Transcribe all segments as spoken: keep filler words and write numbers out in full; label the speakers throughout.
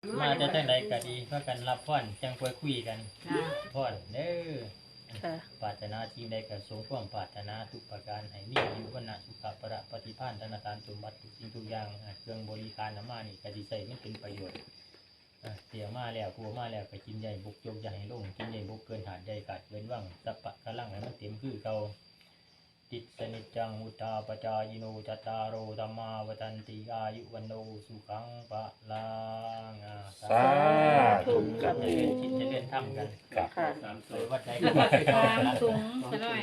Speaker 1: มาจะจังใดก็ดีเพื่อกันรับพรจังคุยคุยกันพรเด้อปรารถนาทีใดก็สมความปรารถนาทุกประการให้มีอายุวรรณะสุขภะปฏิภาณธนาคารสมบัติทุกสิ่งทุกอย่างเครื่องบริการน้ำมานี่ก็ดีใส่มันเป็นประโยชน์เสียมาแล้วกลัวมาแล้วก็กินใหญ่บุกโจกใหญ่ลงกินใหญ่บุกเกินหาดใหญ่กัดเว้นว่างสัปปะกะลังให้มันเต็มคือเก่าติสนิจังอุตาปจายโนจัตตารโรธรรมาวตันติอายุวันโนสุขังปะลังสาธุกับจะเล่นคิดจะเล่นทำกันค่ะโดยวัดใจก็วัดไปก่อนสูงซะหน่อย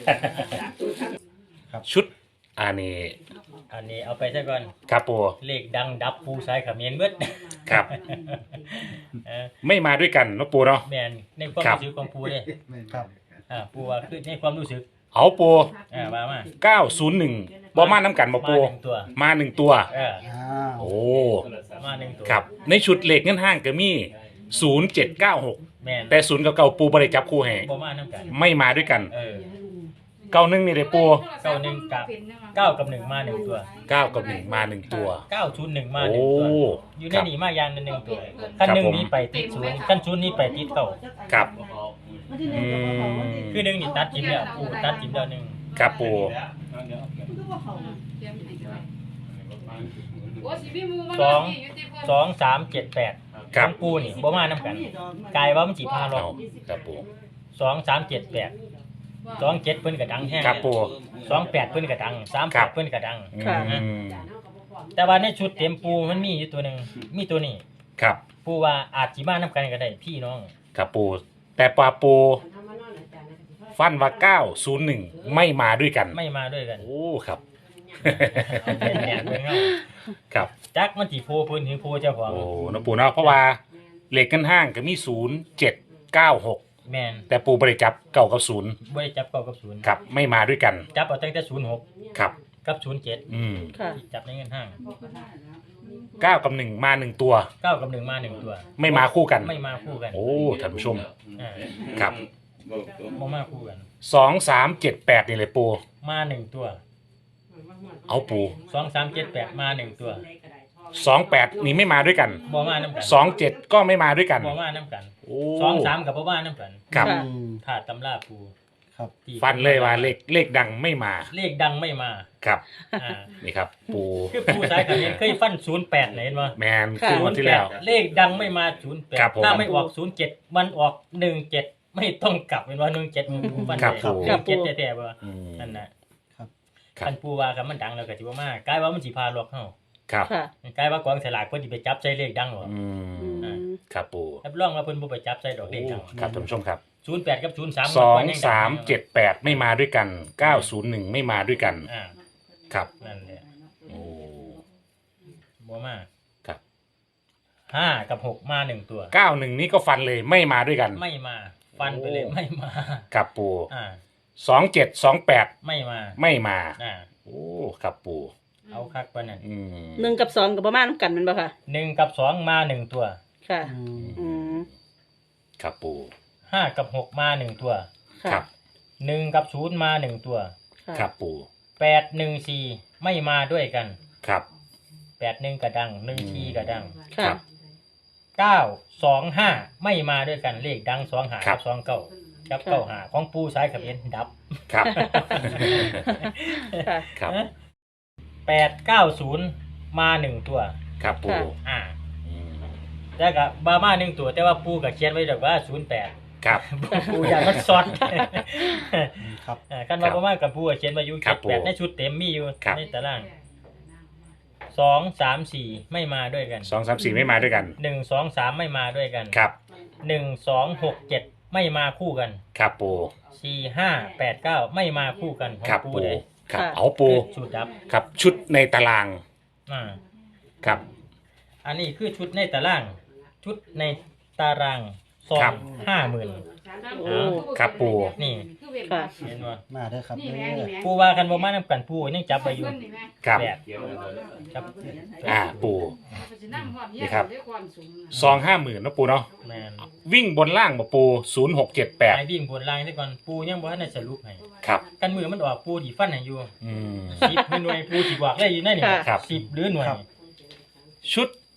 Speaker 2: ชุดอันนี้
Speaker 1: อันนี้เอาไปซะก่อน
Speaker 2: ครับปู
Speaker 1: เลขดังดับปูสายขมิ้นเบิด
Speaker 2: ครับไม่มาด้วยกันเนาะปูเนาะ
Speaker 1: แม่นในความรู้สึกของปูเลยครับอ่าปูว่าคือในความรู้สึก
Speaker 2: เอาปู
Speaker 1: อ่ามามา
Speaker 2: เก้าศูนย์หนึ่งบ่มาน้ำกันบ่ปูมาหนึ่งตัว
Speaker 1: เออ
Speaker 2: โอ้
Speaker 1: มาหนึ่งตัว
Speaker 2: ครับในชุดเลขเงินห้างก็มีศูนย์เจ็ดเก้าหก
Speaker 1: แม่น
Speaker 2: แต่ศูนย์กับเก้าปูบ่ได้จับคู่ให้
Speaker 1: บ่มาน้ำกัน
Speaker 2: ไม่มาด้วยกัน
Speaker 1: เออ
Speaker 2: เก้าหนึ่งนี่เลยปู
Speaker 1: เก้าหนึ่งกับเก้ากับหนึ่งมาหนึ่งตัว
Speaker 2: เก้ากับหนึ่งมาหนึ่งตัว
Speaker 1: เก้าศูนย์หนึ่งมาหนึ่งตัวอยู่ในนี้มาอย่างหนึ่งตัวขั้นหนึ่งนี้ไปติดศูนย์ขั้นศูนย์นี้ไปติดเก้า
Speaker 2: ครับ
Speaker 1: คือหนึ่งนี่ตัดจิ้มแล้วปูตัดจิ้มแล้วหนึ่ง
Speaker 2: ครับปู
Speaker 1: สองสองสามเจ็ดแปดของปูนี่บ่มาน้ำกันกลายว่ามันจีพาหรอก
Speaker 2: ครับปู
Speaker 1: สองสามเจ็ดแปดสองเจ็ดเพิ่นกระดังแห้ง
Speaker 2: ครับปู
Speaker 1: สองแปดเพิ่นกระดังสามแปดเพิ่นกระดังแต่ว่าในชุดเต็มปูมันมีอยู่ตัวหนึ่งมีตัวนี้
Speaker 2: ครับ
Speaker 1: ปูว่าอาจจีมาน้ำกันก็ได้พี่น้อง
Speaker 2: ครับปูแต่ปลาปูฟันว่าเก้าศูนย์หนึ่งไม่มาด้วยกัน
Speaker 1: ไม่มาด้วยกัน
Speaker 2: โอ้ครับ
Speaker 1: เป็นแหนกเลยเงา
Speaker 2: ครับ
Speaker 1: จักมันจีโพพื้นถึงโพเจ้าของ
Speaker 2: โอ้น้องปูเนาะเพราะว่าเหล็กกันห้างก็มีศูนย์เจ็ดเก้าหก
Speaker 1: แมน
Speaker 2: แต่ปูบริจับเก้ากับศูนย์
Speaker 1: บริจับเก้ากับศูนย์
Speaker 2: ครับไม่มาด้วยกัน
Speaker 1: จับเอาตั้งแต่ศูนย์หก
Speaker 2: ครับ
Speaker 1: กับศูนย์เจ็ด
Speaker 2: อืม
Speaker 1: จับในเงินห้าง
Speaker 2: เก้ากับหนึ่งมาหนึ่งตัว
Speaker 1: เก้ากับหนึ่งมาหนึ่งตัว
Speaker 2: ไม่มาคู่กัน
Speaker 1: ไม่มาคู่กัน
Speaker 2: โอ้ท่านผู้ชมครับ
Speaker 1: ไม่มาคู่กัน
Speaker 2: สองสามเจ็ดแปดนี่เลยปู
Speaker 1: มาหนึ่งตัว
Speaker 2: เอาปู
Speaker 1: สองสามเจ็ดแปดมาหนึ่งตัว
Speaker 2: สองแปดนี่ไม่มาด้วยกัน
Speaker 1: บ่มาน้ำกัน
Speaker 2: สองเจ็ดก็ไม่มาด้วยกัน
Speaker 1: บ่มาน้ำกันสองสามกับบ่มาน้ำกัน
Speaker 2: ครับ
Speaker 1: ถ้าตำราปู
Speaker 2: ครับฟันเลยว่าเลขเลขดังไม่มา
Speaker 1: เลขดังไม่มา
Speaker 2: ครับนี่ครับปู
Speaker 1: คือปูสายขมิ้นเคยฟันศูนย์แปดเห็นมั้ย
Speaker 2: แมนคือวันที่แล้ว
Speaker 1: เลขดังไม่มาศูนย์แปดถ้าไม่ออกศูนย์เจ็ดมันออกหนึ่งเจ็ดไม่ต้องกลับเป็นว่าหนึ่งเจ็ดมันฟันเลยหนึ่งเจ็ดแท้ๆบ่นั่นน่ะคันปูว่าคันมันดังแล้วก็สิบ่มากลายว่ามันสิพาหลอกเฮา
Speaker 2: ครับ
Speaker 1: กลายว่ากองสลากเพิ่นสิไปจับใส่เลขดังหรอ
Speaker 2: อืมครับปู
Speaker 1: รับรองว่าเพิ่นบ่ไปจับใส่ดอกเลขดัง
Speaker 2: ครับท่านผู้ชมครับ
Speaker 1: ศูนย์แปดกับศูนย์สาม
Speaker 2: สองสามเจ็ดแปดไม่มาด้วยกันเก้าศูนย์หนึ่งไม่มาด้วยกัน
Speaker 1: อ่า
Speaker 2: ครับ
Speaker 1: นั่นแหละ
Speaker 2: โอ้
Speaker 1: บ่มา
Speaker 2: ครับ
Speaker 1: ห้ากับหกมาหนึ่งตัว
Speaker 2: เก้าหนึ่งนี่ก็ฟันเลยไม่มาด้วยกัน
Speaker 1: ไม่มาฟันไปเลยไม่มา
Speaker 2: ครับปู
Speaker 1: อ่า
Speaker 2: สองเจ็ดสองแปด
Speaker 1: ไม่มา
Speaker 2: ไม่มา
Speaker 1: อ่า
Speaker 2: โอ้ครับปู
Speaker 1: เอาคักปะนั่น
Speaker 3: หนึ่งกับสองกับประมาณกันมันบ่ค่ะ
Speaker 1: หนึ่งกับสองมาหนึ่งตัว
Speaker 3: ค่ะอืม
Speaker 2: ครับปู
Speaker 1: ห้ากับหกมาหนึ่งตัว
Speaker 2: ครับ
Speaker 1: หนึ่งกับศูนย์มาหนึ่งตัว
Speaker 2: ครับปู
Speaker 1: แปดหนึ่งสี่ไม่มาด้วยกัน
Speaker 2: ครับ
Speaker 1: แปดหนึ่งกระดังหนึ่งสี่กระดัง
Speaker 2: ครับ
Speaker 1: เก้าสองห้าไม่มาด้วยกันเลขดังสองหากับสองเก้ากับเก้าหาของปูสายขมิ้นดับ
Speaker 2: ครับครับ
Speaker 1: แปดเก้าศูนย์มาหนึ่งตัว
Speaker 2: ครับปู
Speaker 1: อ่าแล้วก็บามาหนึ่งตัวแต่ว่าปูกับเขียนไว้แบบว่าศูนย์แปด
Speaker 2: ครับ
Speaker 1: ปูอยากมันซ้อนครับกันว่าบามากับปูเขียนไว้อยู่เจ็ดแปดในชุดเต็มมีอยู่ในตารางสองสามสี่ไม่มาด้วยกัน
Speaker 2: สองสามสี่ไม่มาด้วยกัน
Speaker 1: หนึ่งสองสามไม่มาด้วยกัน
Speaker 2: ครับ
Speaker 1: หนึ่งสองหกเจ็ดไม่มาคู่กัน
Speaker 2: ครับปู
Speaker 1: สี่ห้าแปดเก้าไม่มาคู่กันของปูเลย
Speaker 2: ครับเอาปู
Speaker 1: ชุดดับ
Speaker 2: ครับชุดในตาราง
Speaker 1: อ่า
Speaker 2: ครับ
Speaker 1: อันนี้คือชุดในตารางชุดในตารางซองห้าหมื่น
Speaker 2: ครับปู
Speaker 1: นี่
Speaker 3: ค่ะ
Speaker 1: เห็นว่า
Speaker 4: มาได้ครับ
Speaker 1: ปูว่ากันบ่มาน้ำกันปูยังจับไปอยู่
Speaker 2: ครับ
Speaker 1: ครับ
Speaker 2: อ่าปูนี่ครับซองห้าหมื่นนะปูเนาะวิ่งบนล่างบ่ปูศูนย์หกเจ็ดแปด
Speaker 1: วิ่งบนล่างซะก่อนปูยังบ่ทันได้สรุปให้
Speaker 2: ครับ
Speaker 1: กันมือมันออกปูสิฟันให้อยู่
Speaker 2: อืม
Speaker 1: สิบหน่วยปูสิบอกได้อยู่นั่นนี่สิบหรือหน่วย
Speaker 2: ชุด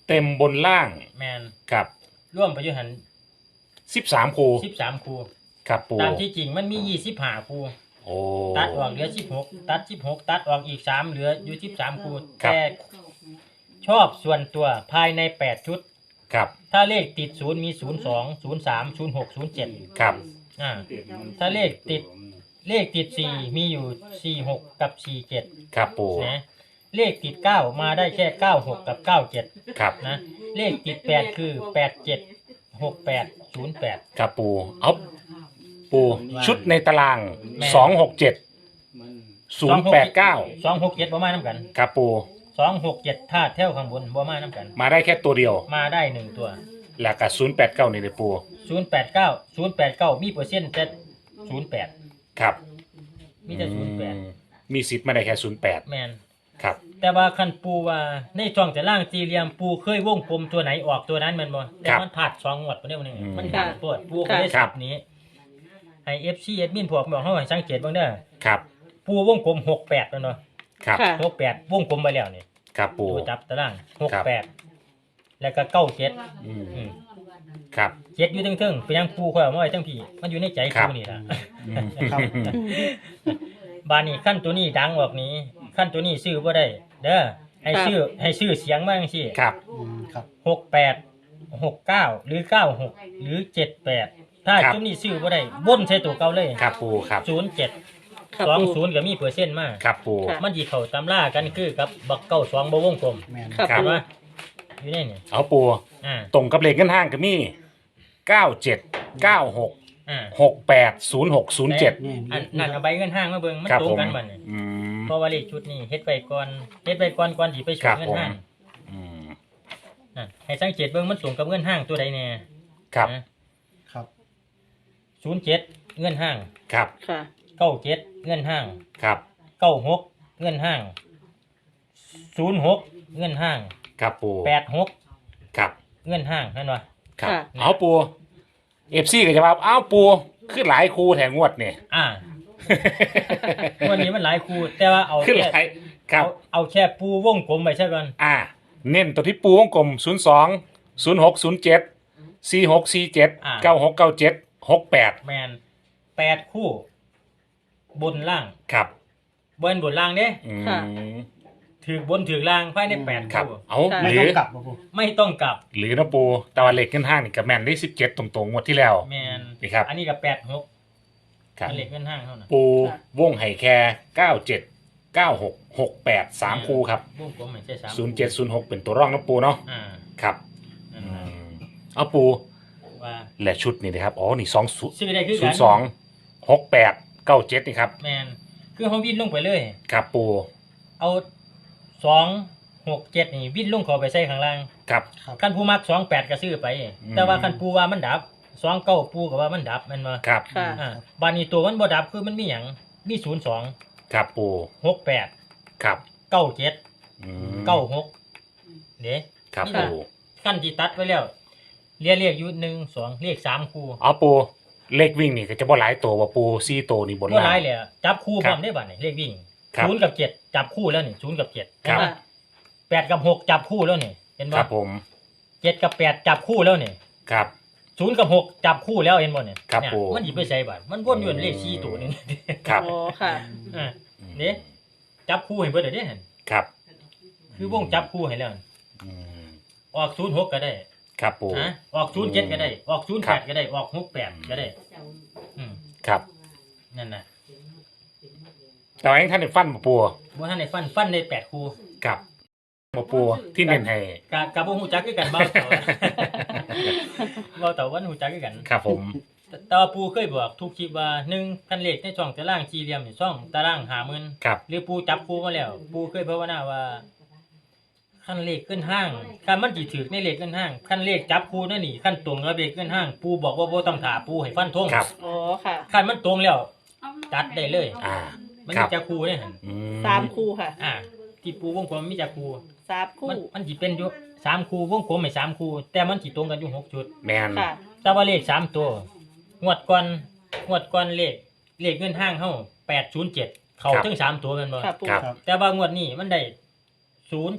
Speaker 2: เต็มบนล่าง
Speaker 1: แมน
Speaker 2: ครับ
Speaker 1: ร่วมไปอยู่หัน
Speaker 2: สิบสามคู
Speaker 1: สิบสามคู
Speaker 2: ครับปู
Speaker 1: ตามที่จริงมันมียี่สิบห้าคู
Speaker 2: โอ้
Speaker 1: ตัดออกเหลือสิบหกตัดสิบหกตัดออกอีกสามเหลืออยู่สิบสามคู
Speaker 2: ครับ
Speaker 1: แต่ชอบส่วนตัวภายในแปดชุด
Speaker 2: ครับ
Speaker 1: ถ้าเลขติดศูนย์มีศูนย์สองศูนย์สามศูนย์หกศูนย์เจ็ด
Speaker 2: ครับ
Speaker 1: อ่าถ้าเลขติดเลขติดสี่มีอยู่สี่หกกับสี่เจ็ด
Speaker 2: ครับปู
Speaker 1: นะเลขติดเก้ามาได้แค่เก้าหกกับเก้าเจ็ด
Speaker 2: ครับ
Speaker 1: นะเลขติดแปดคือแปดเจ็ดหกแปดศูนย์แปด
Speaker 2: ครับปูเอาปูชุดในตาราง
Speaker 1: แม่
Speaker 2: สองหกเจ็ดศูนย์แปดเก้า
Speaker 1: สองหกเจ็ดบ่มาน้ำกัน
Speaker 2: ครับปู
Speaker 1: สองหกเจ็ดท่าแถวข้างบนบ่มาน้ำกัน
Speaker 2: มาได้แค่ตัวเดียว
Speaker 1: มาได้หนึ่งตัว
Speaker 2: แล้วก็ศูนย์แปดเก้านี่เลยปู
Speaker 1: ศูนย์แปดเก้าศูนย์แปดเก้ามีเปอร์เซ็นต์แต่ศูนย์แปด
Speaker 2: ครับ
Speaker 1: มีแต่ศูนย์แปด
Speaker 2: อืมมีสิทธิ์มาได้แค่ศูนย์แปด
Speaker 1: แมน
Speaker 2: ครับ
Speaker 1: แต่ว่าคันปูว่าในช่องแต่ล่างสี่เหลี่ยมปูเคยวงกลมตัวไหนออกตัวนั้นแมันบ่แต่มันผ่าดสองงวดบ่ได้บ่นึงมันดังโพดปูก็ได้สับนี้ให้ เอฟ ซี แอดมินพวกบอกเฮาให้สังเกตเบิ่งเด้อ
Speaker 2: ครับ
Speaker 1: ปูวงกลมหกแปดแล้วเนาะ
Speaker 2: ครับ
Speaker 3: ค่ะ
Speaker 1: หกแปดวงกลมไปแล้วนี่
Speaker 2: ครับปู
Speaker 1: ตัวจับตารางหก
Speaker 2: ครับ
Speaker 1: แปดแล้วก็เก้าเจ็ด
Speaker 2: อืม
Speaker 1: อืม
Speaker 2: ครับ
Speaker 1: เจ็ดอยู่เทิงๆเป็นหยังปูค่อยเอามาไว้ทั้งพี่มันอยู่ในใจ
Speaker 2: ครับ
Speaker 1: ปูนี่ล่ะ
Speaker 2: อืม
Speaker 1: บานนี้ขั้นตัวนี้ดังออกนี้ขั้นตัวนี้ซื้อบ่ได้เด้อให้ซื้อให้ซื้อเสียงมาจังซี่
Speaker 2: ครับ
Speaker 1: หกแปดหกเก้าหรือเก้าหกหรือเจ็ดแปดถ้า
Speaker 2: ครับ
Speaker 1: จุดนี้ซื้อบ่ได้บ่นใช้ตัวเก่าเลย
Speaker 2: ครับปูครับ
Speaker 1: ศูนย์เจ็ด
Speaker 3: ครับ
Speaker 1: สอง
Speaker 3: ปู
Speaker 1: ศูนย์ก็มีเปอร์เซ็นต์มาก
Speaker 2: ครับปู
Speaker 3: ค่ะ
Speaker 1: มันสิเข้าตำรากันคือกับบักเก้าสองบ่วงกลม
Speaker 3: ครับ
Speaker 2: ครับ
Speaker 3: ปู
Speaker 1: เห็นว่าอยู่ในนี่
Speaker 2: เอาปู
Speaker 1: อ่า
Speaker 2: ตรงกับเลขเงินห้างก็มีเก้าเจ็ดเก้าหก
Speaker 1: อ่า
Speaker 2: หกแปดศูนย์หกศูนย์เจ็ด
Speaker 1: อันนั่นเอาใบเงินห้างมาเบิ่งมัน
Speaker 2: ครับ
Speaker 1: ตรง
Speaker 2: ผม
Speaker 1: กันบัดนี่
Speaker 2: อืม
Speaker 1: เพราะว่าเลขชุดนี้เฮ็ดไปก่อนเฮ็ดไปก่อนก่อนสิไป
Speaker 2: ค
Speaker 1: ส่
Speaker 2: รั
Speaker 1: ง
Speaker 2: บ
Speaker 1: เงิ
Speaker 2: ผ
Speaker 1: น
Speaker 2: ม
Speaker 1: ห้าง
Speaker 2: อืม
Speaker 1: อ่ะให้สังเกตเบิ่งมันส่งกับเงินห้างตัวใดแน่
Speaker 2: ครับ
Speaker 4: ครับ
Speaker 1: ศูนย์เจ็ดเงินห้าง
Speaker 2: ครับ
Speaker 3: ค่ะ
Speaker 1: เก้าเจ็ดเงินห้าง
Speaker 2: ครับ
Speaker 1: เก้าหกเงินห้างศูนย์หกเงินห้าง
Speaker 2: ครับปู
Speaker 1: แปดหก
Speaker 2: ครับ
Speaker 1: เงินห้างนั่นวะ
Speaker 2: ครับ
Speaker 3: ค่ะ
Speaker 2: เอาปูเอฟซีก็จะว่าเอาปูขึ้นหลายคูแถงงวดเนี่ย
Speaker 1: อ่า วันนี้มันหลายคูแต่ว่าเอา
Speaker 2: ขึ้นห
Speaker 1: แค่
Speaker 2: ลายครับ
Speaker 1: เอาเอาแค่ปูวงกลมไปใช่ก่อน
Speaker 2: อ่า เน้นตัวที่ปูวงกลมศูนย์สองศูนย์หกศูนย์เจ็ดสี่หกสี่เจ็ดเก้าหกเก้าเจ็ดหกแปด
Speaker 1: แมนแปดคู่ บนล่าง
Speaker 2: ครับ
Speaker 1: บนบนล่างเด้
Speaker 2: อืม
Speaker 3: ค่ะ
Speaker 1: ถือบนถือล่างภายในแปด
Speaker 2: ครับ
Speaker 1: คู่
Speaker 2: เอา
Speaker 3: ค่ะ
Speaker 2: ห
Speaker 4: ไม่
Speaker 2: รื
Speaker 4: ต้อ
Speaker 2: อง
Speaker 4: กลับป่ะปู
Speaker 1: ไม่ต้องกลับ
Speaker 2: หรือนะปูแตะวันเหล็กขึ้นห้างนี่กับแมนได้สิบเจ็ดตรงๆงวดที่แล้ว
Speaker 1: แมน
Speaker 2: นี่ครับ
Speaker 1: อันนี้กับแปดหก
Speaker 2: ครับ
Speaker 1: เหล็กเงินห้างเท่านั้น
Speaker 2: ปูวงไห่แค่เก้าเจ็ดเก้าหกหกแปดสามคูครับ
Speaker 1: วงกลมไม่ใช่สาม
Speaker 2: ศูนย์เจ็ดศูนย์หกเป็นตัวร่องนะปูเนาะ
Speaker 1: อ่า
Speaker 2: ครับ
Speaker 1: นั่น
Speaker 2: อื
Speaker 1: ล่ะ
Speaker 2: มเอาปู
Speaker 1: ว่า
Speaker 2: และชุดนี่นะครับอ๋อนี่สองศูนย์
Speaker 1: ซื้อได้คือ
Speaker 2: ศู
Speaker 1: กัน น
Speaker 2: ย์สองหกแปดเก้าเจ็ดนี่ครับ
Speaker 1: แมนคือเขาวิ่งลงไปเลย
Speaker 2: ครับปู
Speaker 1: เอาสองหกเจ็ดนี่วิ่งลงเขอไปใส่ข้างล่าง
Speaker 2: ครับ
Speaker 1: ขั้นผู้มักสองแปดก็ซื้อไป
Speaker 2: อืม
Speaker 1: แต่ว่าขั้นปูว่ามันดับสองเก้าปูก็ว่ามันดับแมันมา
Speaker 2: ครับ
Speaker 3: ค่ะ
Speaker 1: อ่าบานนี้ตัวมันบ่ดับคือมันมีหยังมีศูนย์สอง
Speaker 2: ครับปู
Speaker 1: หกแปด
Speaker 2: ครับ
Speaker 1: เก้าเจ็ด
Speaker 2: อืม
Speaker 1: เก้าหกเด้
Speaker 2: ครับ
Speaker 1: นี่
Speaker 2: ปู
Speaker 1: ล่ะ ขั้นที่ตัดไว้แล้วเรียกเรียกอยู่หนึ่งสองเรียกสามคู่
Speaker 2: เอาปูเลขวิ่งนี่ก็จะบ่หลายตัวว่าปูซี่ตัวนี่บน
Speaker 1: บ่
Speaker 2: ล่า
Speaker 1: ร้าย
Speaker 2: ง
Speaker 1: เลยอะจับคู่
Speaker 2: ค
Speaker 1: พ
Speaker 2: รับ
Speaker 1: ร้อมได้บัดนี่เลขวิ่ง
Speaker 2: ครับ
Speaker 1: ศูนย์กับเจ็ดจับคู่แล้วนี่ศูนย์กับเจ็ด
Speaker 2: ครับ
Speaker 1: เห็นปะแปดกับหกจับคู่แล้วนี่เห็น
Speaker 2: ค
Speaker 1: บ่
Speaker 2: รับผม
Speaker 1: เจ็ดกับแปดจับคู่แล้วนี่
Speaker 2: ครับ
Speaker 1: ศูนย์กับหกจับคู่แล้วเห็นบ่เนี่ย
Speaker 2: ครับ
Speaker 1: เนี่ย
Speaker 2: ปู่
Speaker 1: มันหยิบไปใส่บัตรมันวนอยู่ในเลขสี่ตัวหนึง
Speaker 2: ครับ
Speaker 3: อ๋อค่ะ
Speaker 1: อ่าเด้จับคู่ให้เบิดเด้เห็น
Speaker 2: ครับ
Speaker 1: คือวงจับคู่ให้แล้ว
Speaker 2: อืม
Speaker 1: ออกศูนย์หกก็ได้
Speaker 2: ครับปู
Speaker 1: ฮะออกศูนย์เจ็ดก็ได้ ออกศูนย์
Speaker 2: ครั
Speaker 1: แป
Speaker 2: บ
Speaker 1: ดก็ได้ ออกหกแปดก็ได้ อืม
Speaker 2: ครับ
Speaker 1: นั่นน่ะ
Speaker 2: แต่ว่ายังท่านได้ฟันบ่ปู
Speaker 1: บ่ทันได้ฟันฟันได้แปดคู่
Speaker 2: ครับบ่ปูที่เน้นให้
Speaker 1: กะกะบ่ฮู้จักคือกันเบ้าเต่า เบ้าเต่าวันฮู้จักคือกัน
Speaker 2: ครับผม
Speaker 1: แต่แต่ว่าปูเคยบอกทุกคลิปว่าหนึ่งคันเลขในช่องตารางสี่เหลี่ยมนี่ช่องตารางห้าหมื่น
Speaker 2: ครับ
Speaker 1: หรือปูจับปูมาแล้ว ปูเคยภาวนาว่าขั้นเลขขึ้นห้างขั้นมันจีถือในเลขขึ้นห้างขั้นเลขจับปูนั่นนี่ขั้นตรงกับเลขขึ้นห้าง ปูบอกว่าโบต้องถาปูให้ฟันทง
Speaker 2: ครับ
Speaker 3: อ๋อค่ะ
Speaker 1: ขั้นมันตรงแล้วจัดได้เลย
Speaker 2: อ่า
Speaker 1: มัน
Speaker 2: ครั
Speaker 1: มี
Speaker 2: บ
Speaker 1: จักคูเนี่ยหั่น
Speaker 2: อื
Speaker 3: สามคู่ค่ะ
Speaker 1: อ่า ที่ปูวงกลมมีจักคู
Speaker 3: สามคู่
Speaker 1: มันมันจีเป็นอยู่สามคูวงกลมไม่สามคูแต่มันจีตรงกันอยู่หกชุด
Speaker 2: แมน
Speaker 3: ค่ะ
Speaker 1: แต่ว่าเลขสามตัวงวดก่อนงวดก่อนเลขเลขเงินห้างเฮาแปดศูนย์เจ็ดเขาถึงสามตัวแมันบ่
Speaker 3: ค่ะปู
Speaker 2: ครับ
Speaker 4: ครับ
Speaker 1: แต่ว่างวดนี้มันได้ศูนย์เจ็ด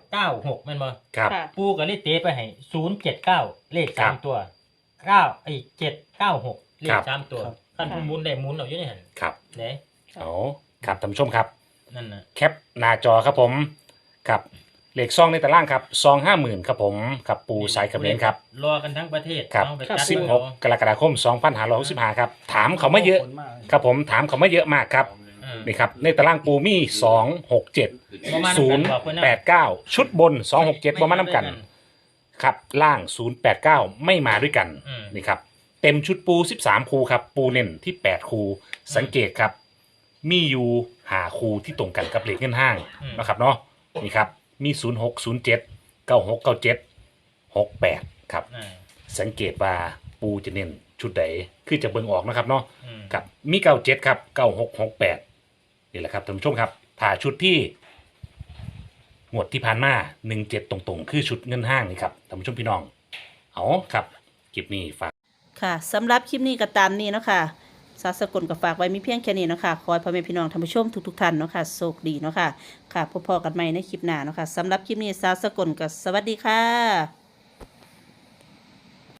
Speaker 1: เก้าหกแม่นบ่
Speaker 2: ครับ
Speaker 3: ค่ะ
Speaker 1: ปูก็เลยเตะไปให้ศูนย์เจ็ดเก้าเลข
Speaker 2: ครั
Speaker 1: สา
Speaker 2: บ
Speaker 1: มตัวเก้าไอ้เจ็ดเก้าหกเล
Speaker 2: ครั
Speaker 1: ข
Speaker 2: บ
Speaker 1: สามตัวขั้นผู้หมุนได้หมุนเอาอยู่ในหัน
Speaker 2: ครับ
Speaker 1: เด้
Speaker 2: เอาครับท่านผู้ชมครับ
Speaker 1: นั่นน่ะ
Speaker 2: แคปหน้าจอครับผมครับเลขซองในตารางครับซองห้าหมื่นครับผมครับปูสายกระเบนครับ
Speaker 1: รอกันทั้งประเทศ
Speaker 2: ครับ
Speaker 1: เอาไป
Speaker 3: ครับ
Speaker 1: จัด
Speaker 2: สิบหก
Speaker 1: เอา
Speaker 2: กรกฎาคมสองพันห้าร้อยหกสิบห้าครับถามเขามาเยอะครับผมถามเขามาเยอะมากครับ
Speaker 1: อืม
Speaker 2: นี่ครับในตารางปูมีสองหกเจ็ด
Speaker 1: บ่มา
Speaker 2: ศู
Speaker 1: นำกัน
Speaker 2: นย์
Speaker 1: บอกเพิ่นนะ
Speaker 2: แปดเก้าชุดบนสองหกเจ็ดประมาณน้ำกันครับล่างศูนย์แปดเก้าไม่มาด้วยกัน
Speaker 1: อืม
Speaker 2: นี่ครับเต็มชุดปูสิบสามคูครับปูเน้นที่แปดคูสังเกตครับ มีอยู่หาคูที่ตรงกันกับเลขเงินห้างนะครับเนาะนี่ครับมีศูนย์หกศูนย์เจ็ดเก้าหกเก้าเจ็ดหกแปดครับ
Speaker 1: อ่า
Speaker 2: สังเกตว่าปูจะเน้นชุดใดคือจะเบิ่งออกนะครับเนาะ
Speaker 1: อืม
Speaker 2: กับมีเก้าเจ็ดครับเก้าหกหกแปดนี่แหละครับท่านผู้ชมครับถ้าชุดที่งวดที่ผ่านมาหนึ่งเจ็ดตรงๆ คือชุดเงินห้างนี่ครับท่านผู้ชมพี่น้องเอาครับคลิปนี้ฝาก
Speaker 3: ค่ะสำหรับคลิปนี้ก็ตามนี้เนาะค่ะสาวสกลก็ฝากไว้มีเพียงแค่นี้เนาะค่ะขอให้พ่อแม่พี่น้องท่านผู้ชมทุกๆท่านเนาะค่ะโชคดีเนาะค่ะค่ะพบพอกันใหม่ในคลิปหน้าเนาะค่ะสำหรับคลิปนี้สาวสกลก็สวัสดีค่ะ